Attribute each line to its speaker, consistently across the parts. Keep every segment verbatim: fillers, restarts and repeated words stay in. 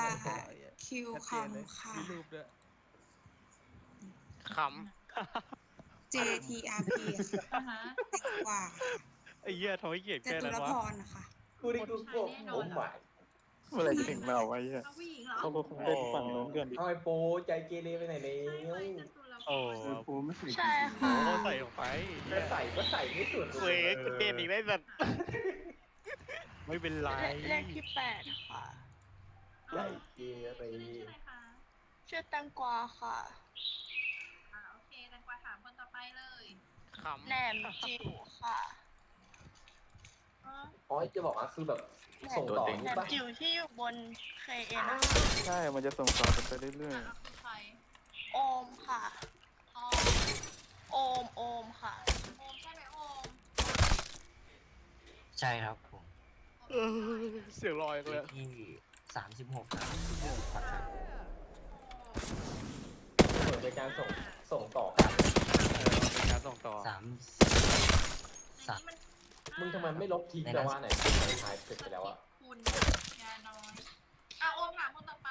Speaker 1: คิวคำค่ะ
Speaker 2: มีรูปด้วยข
Speaker 1: เจ ที อาร์ พี
Speaker 3: อ่าฮะ
Speaker 1: กว่า
Speaker 2: ำไอ้เหี้ยทำให้เกียด
Speaker 1: จ
Speaker 2: แค่
Speaker 1: ตุ
Speaker 2: นั้น
Speaker 1: ร
Speaker 2: วะ
Speaker 1: พรนะคะ
Speaker 4: กูนี่กูโกรธโอ้หมาย
Speaker 5: เมื่อไหรจะถึงเราไว้เนี่ย
Speaker 3: เอาผู้หญิงเหรอ
Speaker 5: เขาก็คงเล่นฝั่งโน้นกันดิ
Speaker 4: เอาไอ้โปใจเกเรไปไหนแล้
Speaker 3: ใช่ไหม
Speaker 4: ว
Speaker 3: จตุรพ
Speaker 2: โอ้
Speaker 3: ร
Speaker 5: โอ้ไม่ใส่
Speaker 6: ใช่
Speaker 2: โห
Speaker 6: ค่ะ
Speaker 2: ใส่ออกไป
Speaker 4: จะใส่ก็ใส่ไม่สุด
Speaker 2: เว้ยกูเด่นอีกได้สัตว์ไม่เป็นไร
Speaker 6: เลขที่แปดค่ะ
Speaker 4: ใจเกเร
Speaker 3: ชื่อเล่นชื่ออะไรคะ
Speaker 6: ชื่อแตงกวาค่ะ
Speaker 3: อ่าโอเคแตงกวาถามคนต่อไปเลย
Speaker 2: ขำ
Speaker 6: แหนมจิ๋วค่ะ
Speaker 3: อ๋อ
Speaker 4: อ๋อจะบอกว่าคือแบบส่งต่อ
Speaker 6: แหน
Speaker 4: นี่
Speaker 6: ม
Speaker 4: ปะ
Speaker 6: จิ๋วที่อยู่บนเคเอ็น
Speaker 5: ใช่ มันจะส่งต่อกันไปเรื่อย
Speaker 3: อ่ะคือใคร
Speaker 6: โอมค่ะ
Speaker 3: อ๋อ
Speaker 6: โอมโอมค่ะ
Speaker 3: โอมใช่ไหมโอม
Speaker 7: ใช่ครับผม
Speaker 2: เออเสียงลอยเลย
Speaker 7: ที่สามสิบหกครับครับ
Speaker 4: เหมือนเป็นการส่งส่งต่อกัน
Speaker 2: เออเป็นการส่งต่อ
Speaker 7: สาม
Speaker 3: ในนี้มัน
Speaker 4: มึงทำไมไม่ลบทิ้งแต่ว่าไหนถ่ายเสร็จไปแล้วอะ
Speaker 3: คุณยาน้อยอ่ะโอมถามคนต่อไป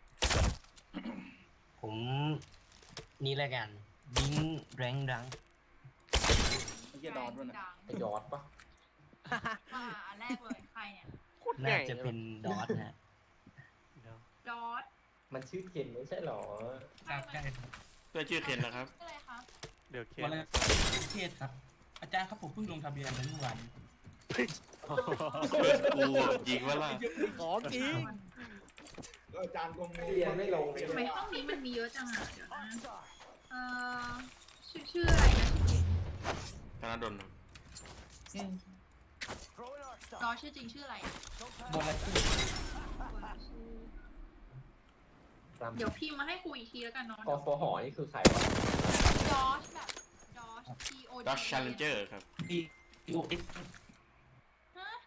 Speaker 7: ผมนี่แล้วกันบิงแรงดัง
Speaker 3: ไอ้เหี้ยดอนด้วยนะ
Speaker 4: ไอ้ยอดปะ
Speaker 3: อ่าอันแรกเลยใครเนี่ย
Speaker 2: โคตรให
Speaker 7: น่า
Speaker 2: ญ่
Speaker 7: จะเป็นดอทฮะ
Speaker 3: ดอท
Speaker 4: มันชื่อเคนไม่ใช่หรอ
Speaker 8: ครับใช่ครับ
Speaker 9: เพื่อชื่อเคนนะครับ
Speaker 3: ชื่ออะไรคะ
Speaker 2: เดี๋ยวเคน
Speaker 8: วันแรกเทศครับ อาจารย์ครับผมเพิ่งลงทะเบียนไปเมื่อวาน
Speaker 9: เปิดกูยิงว่าล่ะ
Speaker 2: ของจริง
Speaker 4: อาจารย์กงเรียนไม่ลง
Speaker 3: ทำไมห้องนี้มันมีเยอะจังอ่ะเดี๋ยวนะเอ่อชื่อชื่ออะไรนะชื่อจริง
Speaker 9: ธนดลครับ
Speaker 3: ดอทชื่อจริงชื่ออะไรอ่ะ
Speaker 8: บนละชื่อ
Speaker 3: เดี๋ยวพิมพ์มาให้ครูอีกทีแล้วกันเนาะ
Speaker 4: กฟหนี่คือใครวะ
Speaker 3: ดอชแบบดอช T O D
Speaker 9: ดัชชัลเลนเจอร์ครับ
Speaker 8: ดีโอเอส
Speaker 3: ฮะ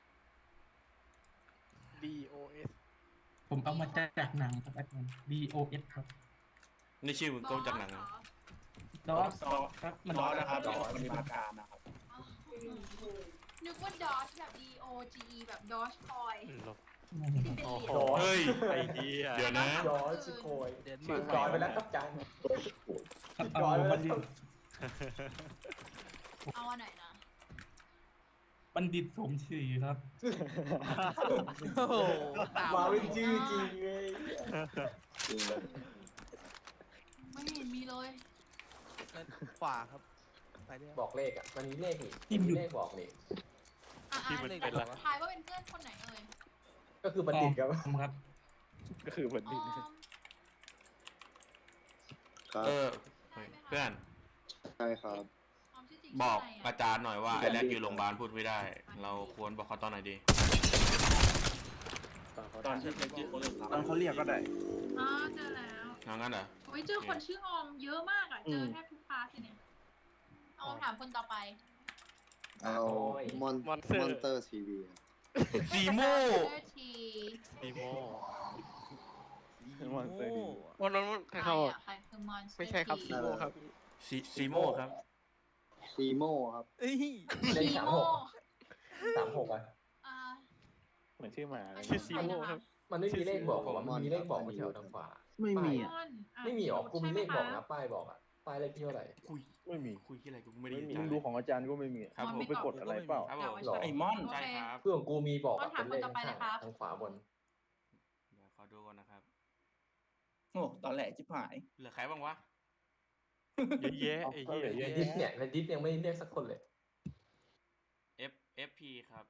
Speaker 2: D O S
Speaker 8: ผมเอามาจากหนังครับอาจารย์ ดี โอ เอส ครับ
Speaker 9: นี่ชื่อมึงก็จากหนัง
Speaker 3: เหร
Speaker 9: นะ
Speaker 3: อ
Speaker 8: ดอสครับมันดอสนะครับดอสมันมีมาการนะครับ
Speaker 3: อ๋อนึกว่าดอชแบบ D O G E แบบดอชคอยที่เป็น
Speaker 2: โอ้
Speaker 3: เหรี
Speaker 2: โห
Speaker 3: ยญ
Speaker 9: เฮ้ย
Speaker 2: ไอ้เหี้ย
Speaker 9: เดี๋ยวนะ
Speaker 4: ยอดชิโกย
Speaker 2: เด่น
Speaker 4: ชื่
Speaker 2: มา
Speaker 4: อก จอยไปแล้วครับอาจารย์
Speaker 8: ครับ
Speaker 4: จอย
Speaker 8: เอา
Speaker 4: ไป
Speaker 8: บั
Speaker 4: แล้ว
Speaker 8: ณฑิต
Speaker 3: เอาอันไหนนะ
Speaker 8: บัณฑิตสมศรีครับ
Speaker 2: โอ้โหตาม
Speaker 4: มาเป็นชื่อจริงเลย
Speaker 3: ไม่เห็นมีเลย
Speaker 2: ขวาครับ ไปเรื่อย
Speaker 4: บอกเลขอ่ะมันมีเลขนี่
Speaker 8: จิ้มอยู่
Speaker 4: มีเลขบอกนี่
Speaker 3: อ่ะ
Speaker 2: ที่
Speaker 3: อ่ะ
Speaker 2: มัน
Speaker 3: แต่
Speaker 2: เป็นละ
Speaker 3: ทายว่าเป็นเพื่อนคนไหนเอ่ย
Speaker 4: ก็คือบัณฑิตครับ
Speaker 8: ออมครับ
Speaker 5: ๆ ก็คือเหมือน
Speaker 3: อ๋อ
Speaker 5: ดิน
Speaker 9: เออเพื่อน
Speaker 5: ใช่ครับ
Speaker 3: ออมชื่อจริง
Speaker 9: บอก
Speaker 3: ชื่ะไร
Speaker 9: อาจารย์หน่อยว่าไอ้แรกอยู่โรงพยาบาลพูดไม่ได้ เราควรบอกเขาตอนไหนดี
Speaker 5: ตอนที่ตอนเขาเรียกก็ได้
Speaker 3: อ๋อเจอแล้ว
Speaker 9: เอางั้นเหรอ
Speaker 3: โอ้ยเจอคนชื่อออมเยอะมากอ่ะ เจอแทบทุกคลาสเลยเนี่ยออมถามคนต่อไป
Speaker 5: เอามอน
Speaker 2: มอนเตอร์
Speaker 5: มอนเตอร์ทีวี
Speaker 9: ซีโม่
Speaker 3: เจอที
Speaker 2: ซีโม่
Speaker 5: มอนเตอร์ทีวี
Speaker 2: วันนั้นมัน
Speaker 3: ใคร
Speaker 2: เขา
Speaker 3: อ่ะใครคือมอนสเตอร์
Speaker 2: ไม่ใช่ครับซีโม่ครับ
Speaker 9: ซีซีโม่ครับ
Speaker 5: ซีโม่ครับ
Speaker 2: เอ้ย
Speaker 4: เลข
Speaker 3: ที
Speaker 4: สาม
Speaker 3: โม่
Speaker 4: หกสามหกอ่ะ
Speaker 3: อ่า
Speaker 5: เหมือนชื่อหมาเลย
Speaker 2: ชื่อซีโม่ครับ
Speaker 4: มันไม่มีเลขบอกผมมันมีเลขบอกมาแถวทางขวา
Speaker 5: ไม่มี
Speaker 3: ม
Speaker 5: อ่ะ
Speaker 3: อนอ่ะ
Speaker 4: ไม่มีหรอกูมีเลขบอก
Speaker 3: ใช่ไห
Speaker 4: นะป้ายบอกอ่ะป้ายเลขที่เท่าไหร่
Speaker 9: คุย
Speaker 5: ไม่มี
Speaker 9: คุยที่อะไรกูไม่ได้
Speaker 5: ไม่
Speaker 9: ยิน
Speaker 5: มี
Speaker 9: จา
Speaker 5: มึ
Speaker 9: น
Speaker 5: งดูของอาจารย์ก็ไม่มี
Speaker 9: ครับผม
Speaker 5: ไปกดอะไรเปล่า
Speaker 9: ครับผม
Speaker 4: หรอ
Speaker 3: ไอ้มอน
Speaker 9: ใช่ครับ
Speaker 4: เพื่อนของกูมีบอกอะ
Speaker 3: ต้องถาม
Speaker 4: เป็นเลข
Speaker 3: คนต่อไป
Speaker 4: ข้าง
Speaker 3: นะครับ
Speaker 4: ทางขวาบน
Speaker 9: เดี๋ยวขอดูก่อนนะครับ
Speaker 8: โอ้ตอนแหลจิบหาย
Speaker 9: เหลือใครบ้างวะ
Speaker 2: เยอะแยะไอ้เหี้ย
Speaker 4: ในดิสเนี่ยในดิสยังไม่เรียกสักคนเลย
Speaker 9: F F P ครับ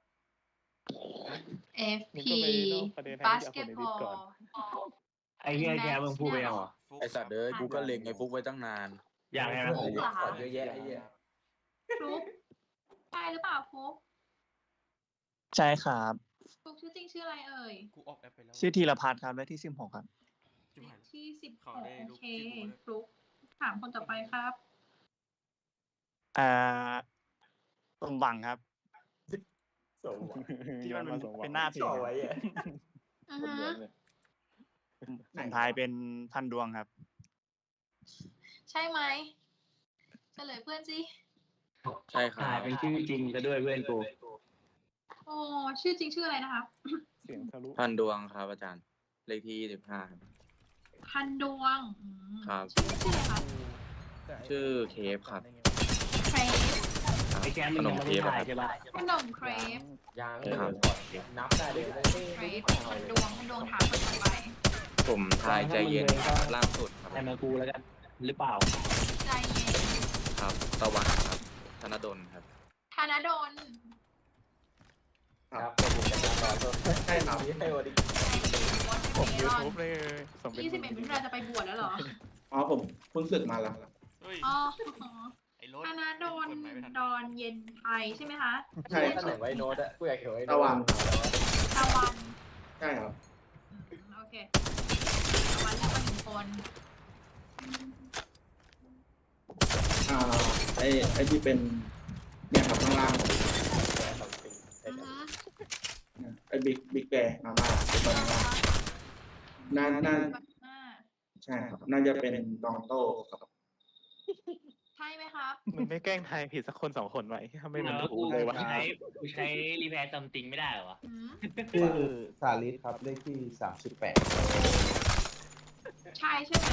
Speaker 3: F
Speaker 5: มึง
Speaker 3: P
Speaker 5: ก็ไปนอกประเด็นให้
Speaker 3: บา
Speaker 5: ที่
Speaker 3: ส
Speaker 5: จะ
Speaker 3: เกต
Speaker 5: เอาคนใน
Speaker 3: บ
Speaker 5: ดิ
Speaker 3: อ
Speaker 5: ส
Speaker 3: ล
Speaker 5: ก่อน
Speaker 7: ไอ้เหี้ยแกมึงพูดไปยังเหรอ
Speaker 9: ฟุ๊ก
Speaker 10: ไอสัตว์เอ้ยกูก็เล็งไอ้ฟุกไว้ตั้งนาน
Speaker 7: อย่างไร
Speaker 4: เพื่
Speaker 7: นะ
Speaker 4: อนเรียกก่อนเยอะแยะไอ้เหี้ย
Speaker 3: ฟลุ๊กใช่หรือเปล่าฟลุ๊ก
Speaker 11: ใช่ครับ
Speaker 3: ฟลุ๊กชื่อจริงชื่ออะไรเอ่ย
Speaker 9: กูออกแอปไปแล้ว
Speaker 11: ชื่อธีรพัฒน์ครับเลขที่สิบหกครับ
Speaker 9: จุ๊บหาย
Speaker 3: ที่สิบห
Speaker 9: เขา
Speaker 3: ก
Speaker 9: ได้
Speaker 3: โอ
Speaker 9: รูป
Speaker 3: เค
Speaker 9: ที่กูเลย
Speaker 3: ฟลุ๊กถามคนต่อไปครับ
Speaker 11: อ่าสมหวังครับ
Speaker 4: สมหวัง
Speaker 11: ที่มันเป็น
Speaker 5: สมหวัง
Speaker 11: เป็นหน้าเพจ
Speaker 4: จ่อ
Speaker 11: ครับ
Speaker 4: ไว้อะ
Speaker 3: อือ
Speaker 5: คน
Speaker 3: ฮะ
Speaker 5: เดียวเลย
Speaker 11: สุดท้ายเป็นพันดวงครับ
Speaker 3: ใช่ไหมเฉลยเพื่อนสิ
Speaker 10: ใช่ครั
Speaker 7: ถ่าย
Speaker 10: บ
Speaker 7: เป็นชื่อจริงซะด้วยเพื่อนกู
Speaker 3: โอ้ชื่อจริงชื่ออะไรนะครับ
Speaker 5: เสียงทะลุ
Speaker 10: พันดวงครับอาจารย์เลขที่สิบห้าครับ
Speaker 3: พันดวงอืม
Speaker 10: ครับ
Speaker 3: ชื่อชื่ออะไรคะ
Speaker 10: ชื่อเคฟครับ
Speaker 3: เครป
Speaker 7: ไอ้แก
Speaker 10: ข
Speaker 7: มัน
Speaker 10: น
Speaker 7: ยัง
Speaker 10: ม
Speaker 7: ไม่
Speaker 10: เค
Speaker 7: ได้
Speaker 10: ฟ
Speaker 7: ถ่าย
Speaker 10: ครับ
Speaker 7: ใช่ปะ
Speaker 3: ขนมเครป
Speaker 4: ยาง
Speaker 10: ครับ
Speaker 4: นับได้เลยไม่
Speaker 3: เคร
Speaker 4: ไม่
Speaker 3: ป
Speaker 4: ไม่
Speaker 3: พัน
Speaker 4: เลย
Speaker 3: ดวงพันดวงถามคนต่อไป
Speaker 10: ผมทายใจเย็นล่างสุดครับ
Speaker 7: แต่มากูแล้วกัน หรือเปล่า
Speaker 3: ใจเย็น
Speaker 10: ครับตะวันครับธนดลครับ
Speaker 3: ธนดล
Speaker 4: ครับผมจะมาต่อใช่ครับนี่ให้วันนี้
Speaker 2: ผม
Speaker 3: เม
Speaker 2: ยู
Speaker 3: ลอน
Speaker 2: ทูบเลยส่งเป็น
Speaker 3: ยี่สิบเอ็ดมิถุนายนจะไปบวชแล้วเหรอ
Speaker 5: อ๋อผมเพิ่งศึกมาแล้ว
Speaker 9: เฮ้ย
Speaker 3: อ๋อ
Speaker 9: ไอ้รถ
Speaker 3: ธนดล
Speaker 9: กฎหมายไม่ทัน
Speaker 3: ดอนเย็นไทยใช่ไหมคะ
Speaker 5: ใช่
Speaker 4: ถ้าไหนไว้โน้ตอะกูอยากเห็นไว้โน้ต
Speaker 5: ตะวัน
Speaker 3: ตะวัน
Speaker 5: ใช่ครับ
Speaker 3: อืมโอเคตะวันเลือกมาหนึ่งคน
Speaker 5: อ่าไอไอที่เป็นเนี่ยครับข้างล่าง
Speaker 3: อือฮึ
Speaker 5: ไอบิ๊กบิ๊กแบร์มาม่าตอนล่างน่าน่า
Speaker 3: อ่า
Speaker 5: ใช่ครับ น่าจะเป็นกองโต้ครับ
Speaker 3: ใช่ไหมครับ
Speaker 2: มันไม่แกล้งทายผิดสักคนสองคนไว้ทำไมมัน
Speaker 7: แล้ว
Speaker 2: ถู
Speaker 7: กู
Speaker 2: กเลยวะ
Speaker 7: ใช้กูใช้รีแพร์ซัมติงไม่ได้เหรอวะ
Speaker 3: อืม
Speaker 12: ชื่อสาลิสครับเลขที่สามสิบแปด
Speaker 3: ใช่ใช่ไหม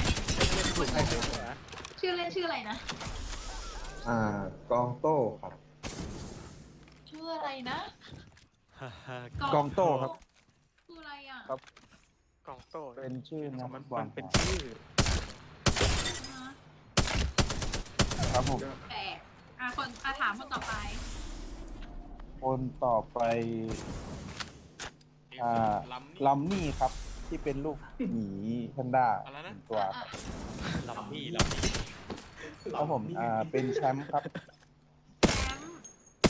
Speaker 3: ชื่อเล่นชื่ออะไรนะ
Speaker 12: อ่ากองโต้ครับ
Speaker 3: ชื่ออะไรนะ
Speaker 12: กองโต้ครับ
Speaker 3: คืออะไรอ่ะ
Speaker 12: ครับ
Speaker 2: กองโต้
Speaker 12: เป็นชื่อนัก
Speaker 2: มัน
Speaker 12: บอ
Speaker 2: มั
Speaker 12: ล
Speaker 2: นเป็น
Speaker 12: ครับ
Speaker 2: ชื่อ
Speaker 3: ฮะ
Speaker 12: ครับผม
Speaker 3: แปลกอ่ะคนอ่ะถามคนต่อไป
Speaker 12: คนต่อไปอ่า
Speaker 9: ลำนี่
Speaker 12: ลัมมี่ครับ ที่เป็นลูกหมีแพนด้า
Speaker 9: อะไรนะ
Speaker 12: หนึ่งตัว
Speaker 3: อ่ะ
Speaker 7: ลำพี่ลำพี่
Speaker 12: ครับผมอ่าเป็นแชมป์ครับ
Speaker 3: แชมป์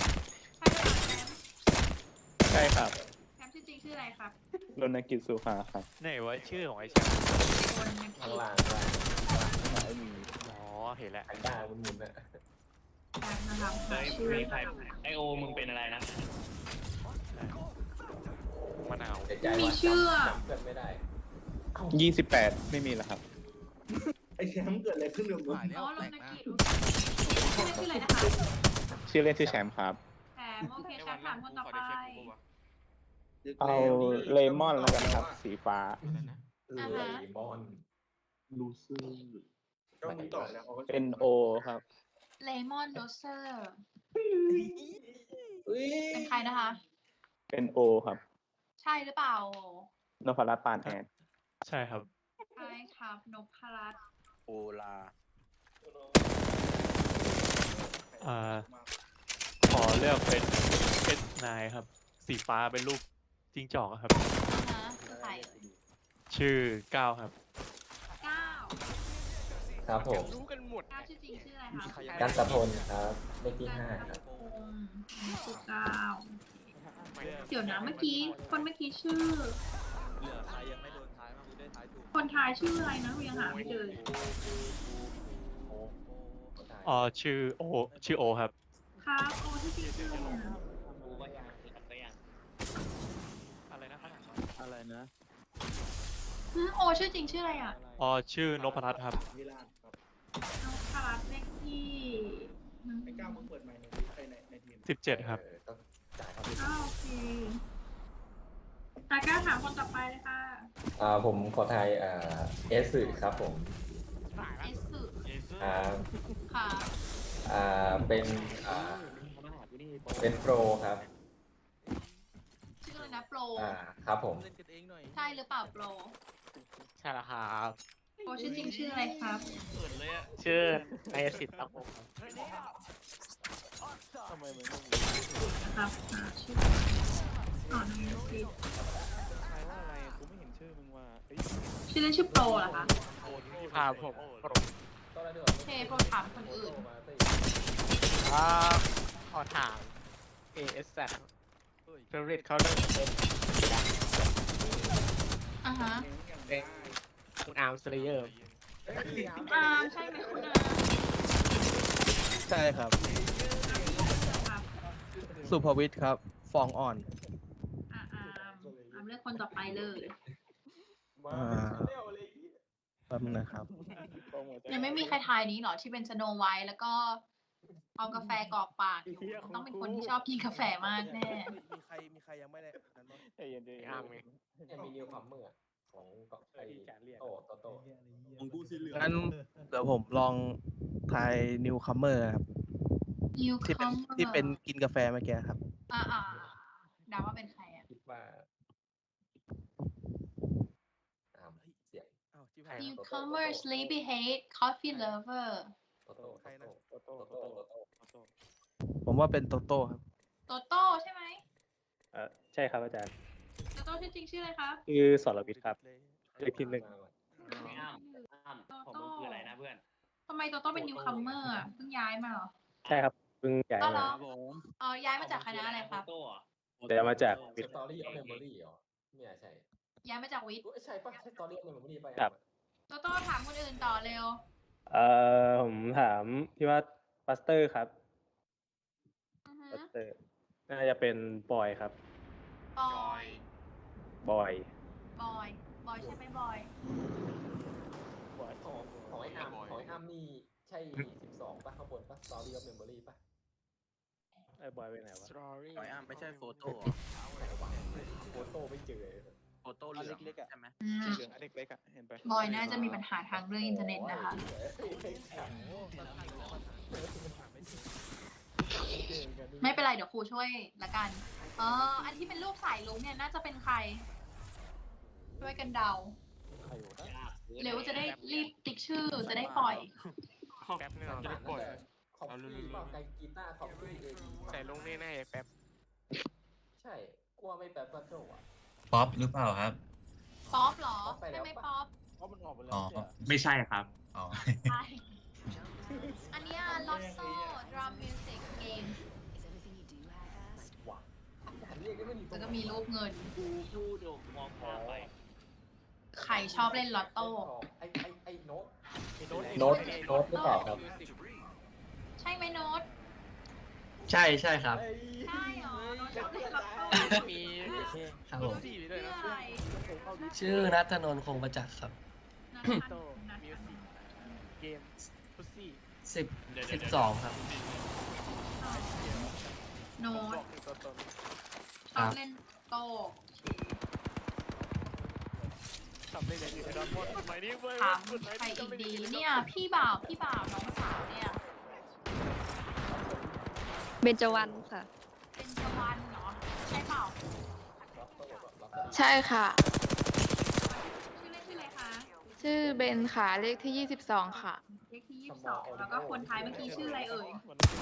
Speaker 3: ใช่หรือเปล่าแชมป์
Speaker 2: ใช่ครับ
Speaker 3: แชมป์ชื่อจริงชื่ออะไรครับ
Speaker 2: รณกิจสุภาครับ
Speaker 5: ไหนวะชื่อของไอแชมป์
Speaker 3: คนนัก
Speaker 4: ข้าง
Speaker 3: กีฬา
Speaker 4: ล่างข้างล่าง
Speaker 2: อ๋อเห็นแล้ว
Speaker 4: แพนด้ามันหมุนอะ
Speaker 3: แชมป์นะครับ
Speaker 7: เฮ้ย
Speaker 3: ชื่อ
Speaker 7: รีไพร์ไอโอมึงเป็นอะไรนะ
Speaker 2: มะนาว
Speaker 4: เสียใจ
Speaker 3: มี
Speaker 4: ว่า
Speaker 3: ชื่อ
Speaker 4: จำเพื่อนไม่ได้
Speaker 2: ยี่สิบแปดไม่มีแล้วครับ
Speaker 5: ไอแชมป์เกิดอะไรขึ้นกับมึง
Speaker 3: อ๋อลงนักกีฬาชื่อเล่นชื่ออะไรนะคะ
Speaker 2: ชื่อเล่นชื่อแชมป์ครับ
Speaker 3: แชมป์โอเคแชมป์ถามคนต่อไป
Speaker 2: เอาเลมอนแล้วกันครับ สีฟ้า
Speaker 3: อ่าฮะ
Speaker 4: เลมอน
Speaker 12: ลูซื่อ
Speaker 5: ก็มึงตอบแล้วเขาก็
Speaker 2: เป็นโอครับ
Speaker 3: เลมอนโรเซอร์
Speaker 5: อุ้ย
Speaker 3: เป็นใครนะคะ
Speaker 2: เป็นโอครับ
Speaker 3: ใช่หรือเปล่าน
Speaker 2: พรัตน์ปานแอน
Speaker 5: ใช่ครับ
Speaker 3: ใช่ครับนพรัตน์
Speaker 10: โอลา
Speaker 5: อ่า ขอเลือกเป็นเป็นนายครับ สีฟ้าเป็นรูปจิ้งจอกอะครับ
Speaker 3: อ่าฮะคือใครเอ่ย
Speaker 5: ชื่อก้าวครับ
Speaker 3: เก้า
Speaker 4: ครับผม
Speaker 2: รู้กันหมด
Speaker 3: เก้าชื่อจริงชื่ออะไรคะ
Speaker 4: กันตะพลครับเลขที่ห้าครับ
Speaker 3: พงศ์อันนี้ชื่อเก้าเดี๋ยวนะเมื่อกี้คนเมื่อกี้ชื่อ
Speaker 10: เหลือใครยังไม่โดนทายบ้างกูได้ทายถูก
Speaker 3: คนทายชื่ออะไรนะยังหาไม่เจอเลย
Speaker 4: โอ้
Speaker 5: อ๋อ ชื่อโอ ชื่อโอครับ
Speaker 3: ครับโอ้ที่จริงชื่ออะไรนะ
Speaker 7: กูก็ยังกูก็ยัง
Speaker 2: อะไรนะครับ
Speaker 12: อะไรนะ
Speaker 3: อืมโอชื่อจริงชื่ออะไรอ่ะ
Speaker 5: อ๋อ ชื่อนพรัตน์ครับวิลาศครับ
Speaker 3: นพรัตน์เลขที่อืม
Speaker 5: ไอ้ก้าวมึงเปิดใหม่ในในในในทีม
Speaker 2: สิบเจ็ดครับ
Speaker 4: เออต้องจ่ายครับ
Speaker 3: อ้าวโอเคตากล้าถามคนต่อไปเลยค่ะ
Speaker 4: อ่าผมขอทายอ่าเอสสื่อครับผม
Speaker 3: เอสสึ
Speaker 4: อ่า
Speaker 3: ค่ะ
Speaker 4: อ่าเป็นอ่าเป็นโปรครับ
Speaker 3: ชื่ออะไรนะโปร
Speaker 4: อ่าครับผม
Speaker 3: ใช่หรือเปล่าโปร
Speaker 2: ใช่แล้วครับ
Speaker 3: โปรชื่อจริงชื่ออะไรครับ
Speaker 2: ชื่อนายสิทธิ์ครับผม
Speaker 5: ทำไมมึง
Speaker 3: ครับอ่าชื่ออ๋อนายสิทธิ์
Speaker 5: ทายว่าอะไรกูไม่เห็นชื่อมึงว่าเฮ้ย
Speaker 3: ชื่อเล่นชื่อโปรเหรอคะ
Speaker 2: ครับผม
Speaker 3: โอเคโปรถามคนอื่น
Speaker 2: อ่าขอถาม เอ เอส แซด favorite color เป็น
Speaker 3: อ่าฮะ
Speaker 2: เป็นคุณอาร์มสเลเยอร์
Speaker 3: อาร์มใช่ไหมคุณอาร์ม
Speaker 12: ใช่ครับ
Speaker 3: ครับ
Speaker 12: สุภวิทย์ครับ ฟองอ่อน
Speaker 3: อ่าอาร์มอาร์มเลือกคนต่อไปเลย
Speaker 12: อ่าแป๊บนึงนะครับ
Speaker 3: ยังไม่มีใครทายนี้เหรอที่เป็นสโนไวท์แล้วก็เอากาแฟกรอกปากอยู่ต้องเป็นคนที่ชอบกินกาแฟมากแน่
Speaker 10: มีใครมีใครยังไม่ได้นั้นบ้าง
Speaker 5: ใจเย็นใจเย็น
Speaker 2: อาร์มไง
Speaker 4: ยังมีนิวคัมเมอร์โอ้ของไอ้โตโตโต
Speaker 10: ของกูสีเหลือง
Speaker 12: งั้นเดี๋ยวผมลองทายนิวคัมเมอร์ครับ
Speaker 3: นิว
Speaker 12: ที่
Speaker 3: คั
Speaker 12: เป็น
Speaker 3: มเมอร์
Speaker 12: ที่เป็นกินกาแฟเมื่อกี้ครับ
Speaker 3: อ่าอ่าเดาว่าเป็นใครอ่ะ
Speaker 4: คิดว่าอ่าเสียง
Speaker 10: อ้าวที่
Speaker 4: ใคร
Speaker 10: ผ่าน
Speaker 3: newcomer sleepy head coffee lover
Speaker 4: โตโต
Speaker 10: ใครนะ
Speaker 4: โตโตโตโตโต
Speaker 12: ผมว่าเป็นโตโต้ครับ
Speaker 3: โตโต้ใช่ไหม
Speaker 5: เออใช่ครับอาจารย์
Speaker 3: โตโต้ชื่อจริงชื่ออะไรคะ
Speaker 5: คือสรวิทย์ครับเลขที่หนึ่ง
Speaker 7: ไม่อ้ามอ้าม
Speaker 3: โต
Speaker 7: ของ
Speaker 3: โต้
Speaker 7: มึงคืออะไรนะเพื่อน
Speaker 3: ทำไมโตโต้เป็น newcomer อ่ะเพิ่งย้ายมาเหรอ
Speaker 5: ใช่ครับเพิ่งย้าย
Speaker 3: ก็เหร
Speaker 5: มา
Speaker 3: อ
Speaker 10: ครับผม
Speaker 3: เออย้ายมาจากคณะอะไรครับ
Speaker 7: โต้เหรอ
Speaker 5: แต่มาจาก
Speaker 4: ส
Speaker 5: วิทย์
Speaker 4: ตอรี่ออฟเมมโมรี่เหรอไม่ใช่
Speaker 3: ย้ายมาจากวิทย์
Speaker 4: อุ๊ยใช่ปะใช่สตอรี่ออฟเมมโมรี่ปะ
Speaker 5: ครับ
Speaker 3: โตโต้ถามคนอื่นต่อเร็ว
Speaker 5: เอ่อผมถามพี่ว่าบัสเตอร์ครับ
Speaker 3: อือฮึ
Speaker 5: บัสเตอร์น่าจะเป็นบอยครับ
Speaker 3: บอย
Speaker 5: บอย
Speaker 3: บอย บอยใช่ไหมบอย
Speaker 4: ของของไอ้อาร์มของไอ้อาร์มนี่ใช่สิบสองปะข้างบนปะสตอรี่ออฟเมมโมรี่ปะ
Speaker 5: ไอ้บอยไปไหนวะ
Speaker 2: สตอรี่
Speaker 10: ไอ้อ้ามไม่ใช่โฟโต้
Speaker 4: โฟโต้ไม่เจอเลย
Speaker 10: โฟโต้เหลืองใช่ไหม
Speaker 3: อืม
Speaker 2: เหลืองอันเล็กๆอ่ะเห็นปะ
Speaker 3: บอยน่าจะมีปัญหาทางเรื่องอินเทอร์เน็ตนะคะ ไม่เป็นไรเดี๋ยวครูช่วยละกัน เอออันที่เป็นรูปสายลุงเนี่ยน่าจะเป็นใคร ช่วยกันเดา เร็วจะได้รีบติ๊กชื่อจะได้ปล่อย
Speaker 2: แป๊บนึงเราจะได้ปล่อย
Speaker 4: คอฟฟี่เปล่าไกกีตาร์คอฟฟี่เอง
Speaker 2: ใส่ลงแน่ๆแป๊บ
Speaker 4: ใช่กลัวไม่แป๊บก็โจอ่ะ
Speaker 13: ป๊อปหรือเปล่าครับ
Speaker 3: ป๊อปเหรอ
Speaker 4: ป๊อปไปแล้
Speaker 3: ใช่
Speaker 4: ว
Speaker 3: ไหม
Speaker 4: ปะ
Speaker 3: ป๊อป
Speaker 2: เพราะมันออกไปแล้ว
Speaker 13: อ๋อ
Speaker 5: ไม่ใช่ครับ
Speaker 13: อ๋อ
Speaker 3: ใช่ อันเนี้ย Lotso Drum Music Game
Speaker 4: หวังเรียกได้ไม่มี
Speaker 3: แล้วก็มีรูปเงิน
Speaker 7: กูพูดมองข้ามไป
Speaker 3: ใครชอบเล่นลอตโต้
Speaker 4: ไอไอไอโน้ต
Speaker 2: โน้ต
Speaker 4: โน้ตโน้ตหรือเปล่าครับ
Speaker 3: ใช่ไหมโน้ต
Speaker 12: ใช่ใช่ครับ
Speaker 3: ใช่เหรอโน้ตชอบเล่นลอตโต้
Speaker 2: มี
Speaker 12: ครับผม
Speaker 2: สี่ด้วย
Speaker 3: ชื่อ
Speaker 2: นะ
Speaker 3: อะไร
Speaker 12: ชื่อนัทนนท์คงประจักษ์ครับ
Speaker 3: นัท
Speaker 2: โต
Speaker 3: นัท
Speaker 2: มิวสิกเกมพุซซี่
Speaker 12: สิบสิบสองครับ
Speaker 3: โน้ต
Speaker 2: บอกถึงตัวตน
Speaker 3: ชอบเล่นโต้
Speaker 2: ทำได้เลยอยู่ในดอนมอนสมัยนี้เว้ย
Speaker 3: ถามใครอีกดี เนี่ย พี่บ่าว พี่บ่าว น้องสาวเนี่ย
Speaker 6: เบญจวรรณค่ะ
Speaker 3: เป็นจวันเหรอ ใช่เปล่า
Speaker 6: ใช่ค่ะ
Speaker 3: ชื่อเล่นชื่ออะไรคะ
Speaker 6: ชื่อเบนค่ะ เลขที่ยี่สิบสองค่ะ
Speaker 3: เลขที่ยี่สิบสองแล้วก็คนท้ายเมื่อกี้ชื่ออะไรเอ่ย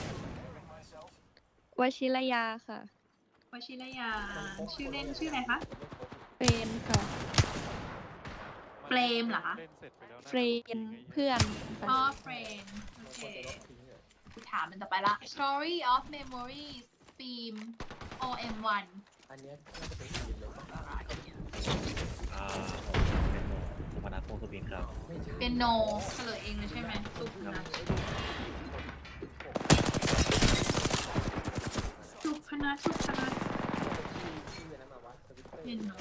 Speaker 6: วชิรยาค่ะ
Speaker 3: วชิรยา ชื่อเล่นชื่ออะไรคะ
Speaker 6: เฟรนค่ะ
Speaker 3: เฟรมเหรอคะ
Speaker 5: เล่นเสร็จไปแล้วนะ
Speaker 6: เฟรนเพื่อน
Speaker 3: อ๋อเฟรนโอเคถามมันต่อไปละ Story of Memories Theme โอ เอ็ม วัน
Speaker 4: อันเนี้ยน่าจะเป็นทีมเลยปะ
Speaker 5: อ่าผมเป็นหมอสุพนัทพงศ์สุบินครับ
Speaker 4: ไม่ใช่
Speaker 3: เป็นโนเฉลยเองเลยใช่ไหมสุพนัทสุพนัทสุพนัท
Speaker 4: ชื่อนั้นมาวะทวิตเตอร์
Speaker 3: เป็นโน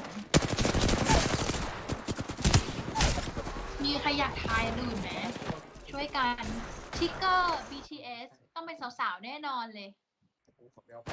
Speaker 3: มีใครอยากทายอื่นไหมช่วยกันทิกเกอร์ บี ที เอส ต้องเป็นสาวๆ แน่นอนเลย
Speaker 4: กูขอไปเอา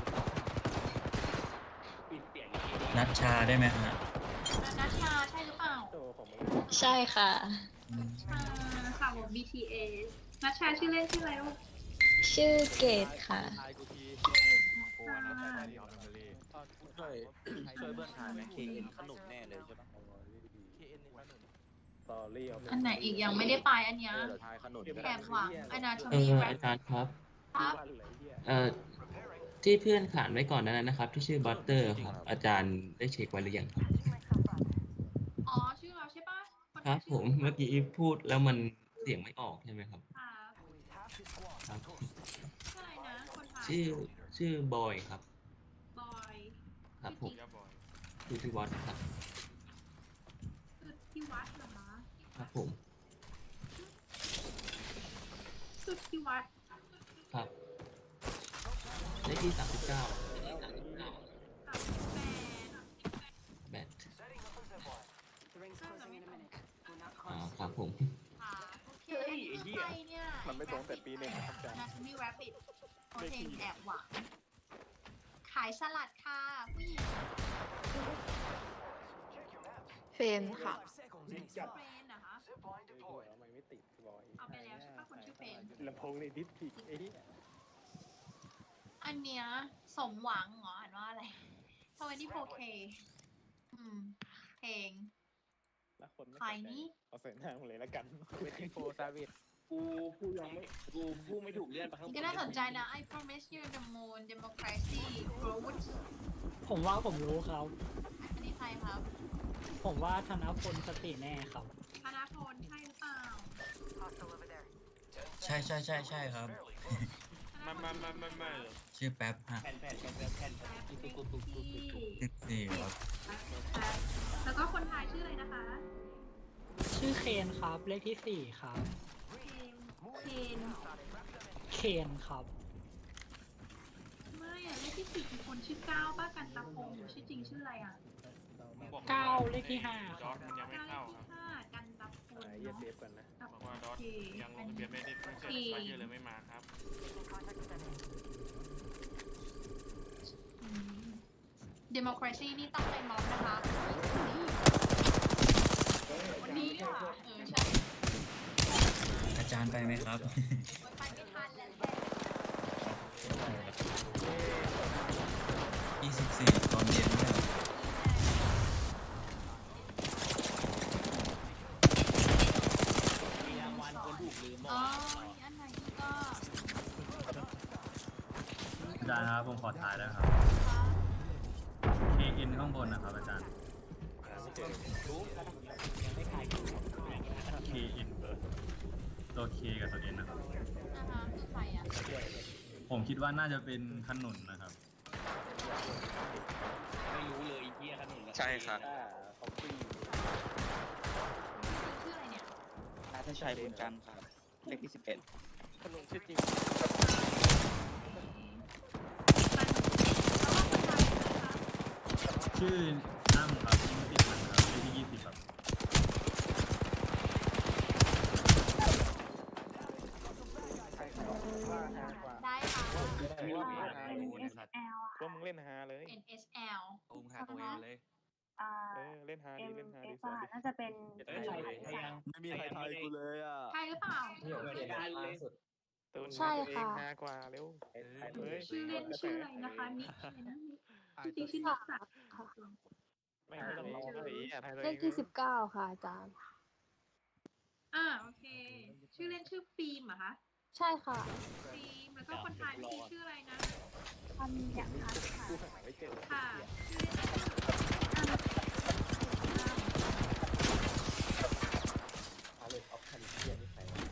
Speaker 7: ปิดเสียง
Speaker 13: นัชชาได้ไหมฮะ
Speaker 3: นัชชาใช่หรือเปล่า
Speaker 6: ใช่ค่ะ
Speaker 3: นัชชาค่ะผม บี ที เอส นัชชาชื่อเล่นชื่ออะไรลูก
Speaker 6: ชื่อเกดค่ะ
Speaker 10: ทายกูที
Speaker 5: โอ้นะใช่ไหมที่ออสเตรเลีย
Speaker 10: ช่วยช่วยเพื่อนถ่ายไหม เค เอ็น ขนุนแน่เลยใช่ปะ เค เอ็น นี่ขนุน
Speaker 5: สตอรี่เอา
Speaker 3: อันไหนอีกยังไม่ได้ไปอันเนี้ย
Speaker 10: เออเดี๋ยวทายขนุนก็
Speaker 3: แอ
Speaker 10: ได้
Speaker 3: บหวังอนาโท
Speaker 7: เอ
Speaker 3: มี
Speaker 7: อ
Speaker 3: แร
Speaker 7: อา
Speaker 3: ป
Speaker 7: จารย์ครับ
Speaker 3: ครับ
Speaker 7: เอ่อที่เพื่อนขานไว้ก่อนนั้นนะครับ ที่ชื่อบัตเตอร์ครับ อาจารย์ได้เช็คไว้หรือยังครับ
Speaker 3: อ๋อ ชื่อเราใช่ปะน
Speaker 7: ครับ
Speaker 3: ชื่
Speaker 7: ผ
Speaker 3: อ
Speaker 7: มเมื่อกี้พูดแล้วมันเสียงไม่ออกใช่ไหมครับ
Speaker 3: ครับ
Speaker 7: ครับ
Speaker 3: ชื่ออะไรนะ คนไทย
Speaker 7: ชื่อชื่อบอยครับ
Speaker 3: บอย
Speaker 7: ครับผม
Speaker 2: ย่าบอย
Speaker 7: คือที่วัดครับ
Speaker 3: สุดที่วัดเหรอคะ
Speaker 7: ครับผม
Speaker 3: สุดที่วัด
Speaker 7: ครับเลขที่สามสิบเก้า
Speaker 3: กับแฟน
Speaker 7: แบทอ๋อครับผม
Speaker 3: ค่ะโอเคคือใครเนี่ย
Speaker 2: มันไม่ตรงแต่ปีหนึ่งนะครับอาจารย์
Speaker 3: นาชมีแรปปิดโอเคแอบหวัง ขายสลัดค่ะผู้หญิง
Speaker 6: เฟนค่ะ
Speaker 3: เฟรนนะคะ
Speaker 2: มันไม่ติดบอย
Speaker 3: เอาไปแล้วใช่ปะคนชื่อเฟรน
Speaker 2: ลำโพงในดิสพิกไอ้เหี้ย
Speaker 3: อันเนี้ยสมหวังเหรออ่านว่าอะไรทเวนตี้โฟเคอืมเพลง
Speaker 2: แล้วคนไม่
Speaker 3: ใครนี่
Speaker 2: เอาใส่หน้ามึงเลยแล้วกันเวทีโฟซาวิด
Speaker 10: กูพูดยังไม่กูพูดไม่ถูกเลื่อนไปข้างบน
Speaker 3: ก็น่าสนใจนะ I promise you the moon democracy growth
Speaker 8: ผมว่าผมรู้ครับ
Speaker 3: อันนี้ใครครับ
Speaker 8: ผมว่าธนพลสติแน่ครับ
Speaker 3: ธนาพลใช่หรือเปล่า
Speaker 13: ใช่ใช่ใช่ใช่ครับ
Speaker 9: ไม่ไม่ไม่ไม่ไม่
Speaker 13: ชื่อแป๊บฮะ
Speaker 10: แผ่นแผ่นแผ่นแผ่นแผ่นตุ๊กตุ๊กตุ๊กตุ๊กตุ๊กตุ๊ก
Speaker 13: สิบสี่ครับ
Speaker 3: แล้วก็คนไทยชื่ออะไรนะคะ
Speaker 8: ชื่อเคนครับ เลขที่สี่ครับ
Speaker 3: เคน เคน
Speaker 8: เคนครับ
Speaker 3: ไม่อะเลขที่สี่คือคนชื่อเก้าป้ากันตะพงศ์ชื่อจริงชื่ออะไรอ่ะ
Speaker 8: เก้าเลขที่ห้า
Speaker 9: ดอทมันยังไม่
Speaker 3: เก้าเล
Speaker 9: เข้า
Speaker 3: ข
Speaker 9: ครับ
Speaker 3: ที่ห้ากันตะพงศ์
Speaker 2: เหี้ย
Speaker 3: เนาะ
Speaker 2: เซฟก่อนนะ
Speaker 9: บอกว่าดอทยังลงทะเบียนไม่ได้ไม่ใช่ไม่เยอะเลยไม่มาครับ
Speaker 3: อืม democracy นี่ต้องไปม็อบนะคะวันนี้อ่ะเออใช่
Speaker 13: อาจารย์ไปไหมครับ
Speaker 3: ไปไม่ทันแล้ว
Speaker 13: ยี่สิบสี่ตอนเย็นเนี่ย
Speaker 10: มีรางวัลคนถูกลืมหม
Speaker 3: อ๋อ
Speaker 10: ด
Speaker 3: อันไหนก็
Speaker 13: อาจารย์ครับผมขอถ่ายได้ครับ เค เอ็น ข้างบนนะครับอาจารย์
Speaker 10: ยังไม่ขายกู
Speaker 13: เค เอ็น ตัว K กับตัว N นะครับ
Speaker 3: นะคะคือใครอ่ะ
Speaker 13: ผมคิดว่าน่าจะเป็นขนุนนะครับ
Speaker 10: ไม่รู้เลยเฮียขนุน
Speaker 11: ใช่ครับ
Speaker 2: เขาฟรี
Speaker 3: ชื่ออะไรเนี่ย
Speaker 11: นาทชัยบุญจันทร์ครับ เลขที่สิบเอ็ด
Speaker 2: ขนมชื่อจริง
Speaker 13: ชื่ออ้ำครับยี่สิบมันครับเลขที่ยี่สิบครับ
Speaker 3: ได้ค่ะ
Speaker 2: ว่ามึง
Speaker 3: อ่า
Speaker 2: ฮา
Speaker 3: เอ็น เอส แอล
Speaker 2: ว่ามึงเล่นฮาเลย
Speaker 3: เอ็น เอส แอล
Speaker 10: อุ้มหาตัวเองเลย
Speaker 3: อ่า
Speaker 2: เออเล่นฮาดีเล่นฮาดี
Speaker 3: เอ็ม
Speaker 2: สอน
Speaker 3: เอ
Speaker 2: ดิ
Speaker 3: สน่าจะเป็น
Speaker 10: เอ้ยใครยัง
Speaker 4: ไม่มีใครทายกูเลยอ่ะ
Speaker 3: ใช่หรือเปล่า
Speaker 7: นี่ผมเขียนล่าสุด
Speaker 2: ตูน
Speaker 6: ใช่
Speaker 2: ตัวเอง
Speaker 6: ค่ะ
Speaker 2: ฮากว่าเร็วเฮ้ย
Speaker 3: ชื่อเล่นชื่ออะไรนะคะ นิกอะไรนะนิกจริงๆชื่อนิกสักดิ์ค่ะ
Speaker 2: ไม่ไม่ต้องร้องเลยอ่ะทายตัว
Speaker 6: เล
Speaker 2: เอ
Speaker 6: ข
Speaker 2: ง
Speaker 6: ที่สิบเก้าค่ะอาจารย์
Speaker 3: อ่าโอเค ชื่อเล่นชื่อฟิล์มเหรอคะ
Speaker 6: ใช่ค่ะ
Speaker 3: ฟิล์มแล้วก็คนไทยเมื่อกี้ชื่ออะไรนะ
Speaker 6: อันอย่างค่ะ
Speaker 2: กูหาไม่เจอ
Speaker 3: ค่ะชื่อเล่นชื่ออัน
Speaker 7: เอาเลยออฟคาลิเทียนี่ใคร
Speaker 3: มี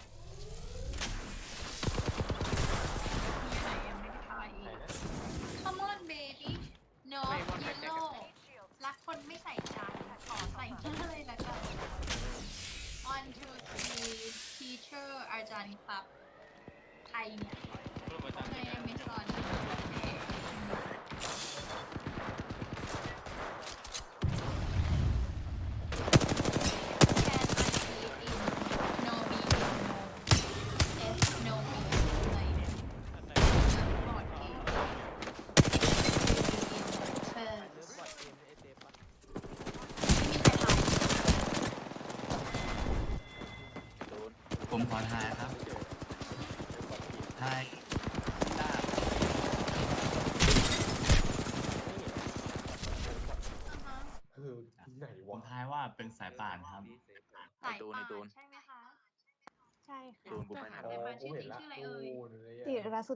Speaker 3: อะไรยังไม่ได้ไป Come on baby no yellow รักคนไม่ใส่ใจขอใส่หน้าเลยละกัน one two three teacher อาจารย์ครับใครเนี่ย
Speaker 9: รูปอาจารย์
Speaker 3: ไม่ไม่สอนเอง Can I be in no be no S no be อะไรเนี่ยบอร์ดเกม First
Speaker 2: บอดเกมเอเซฟปะ
Speaker 13: ผมขอถ่ายครับ ถ่าย
Speaker 7: คือที่ไหน
Speaker 13: ผม
Speaker 7: วะ
Speaker 13: ทายว่าเป็นสายป่านครับ
Speaker 3: สายป่านใช่ไหมคะ
Speaker 6: ใช่ค่ะ
Speaker 11: ตูนกูไป
Speaker 3: หาแต่มาชื่อจริงชื่ออะไรเอ่ย
Speaker 7: โอ้โหเลยอะ
Speaker 6: ติรสุ